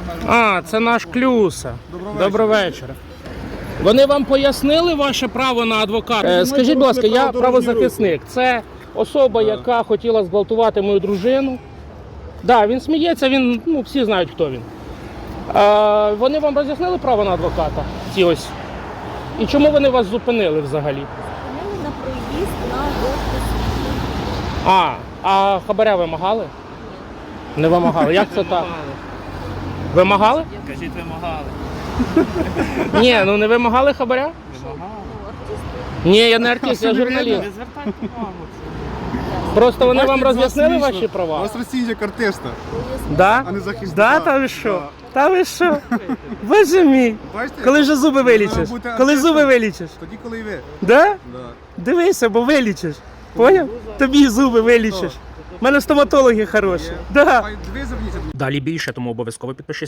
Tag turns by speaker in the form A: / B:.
A: А, це наш Клюса. Доброго вечора. Вони вам пояснили ваше право на адвоката? Скажіть, будь ласка, я правозахисник. Це особа, яка хотіла зґвалтувати мою дружину. Так, він сміється, він, ну, всі знають, хто він. Вони вам роз'яснили право на адвоката? Ці ось. І чому вони вас зупинили взагалі?
B: Зупинили на проїзд на жовте світло.
A: А хабаря вимагали? Не вимагали. Як це так? Вимагали?
C: Кажіть, вимагали.
A: Ні, ну не вимагали хабаря?
C: Вимагали.
A: Ні, я не артист, я журналіст.
C: Не звертайте увагу.
A: Просто вони вам
D: Бачите,
A: роз'яснили
D: смішно.
A: ваші
D: У
A: права?
D: вас Росія як артиста,
A: Да?
D: а не захисника.
A: Да, та ви що?
D: Да.
A: Та ви що? Боже мій.
D: Бачите?
A: Коли вже зуби вилічиш?
D: Треба бути
A: Коли
D: артистом.
A: зуби вилічиш?
D: Тоді, коли і ви.
A: Да?
D: Да.
A: Дивися, бо вилічиш. Поняв? Тобі зуби вилічиш. У мене стоматологи хороші. Да.
D: Дві зверніться.
A: Далі більше, тому обов'язково підпишись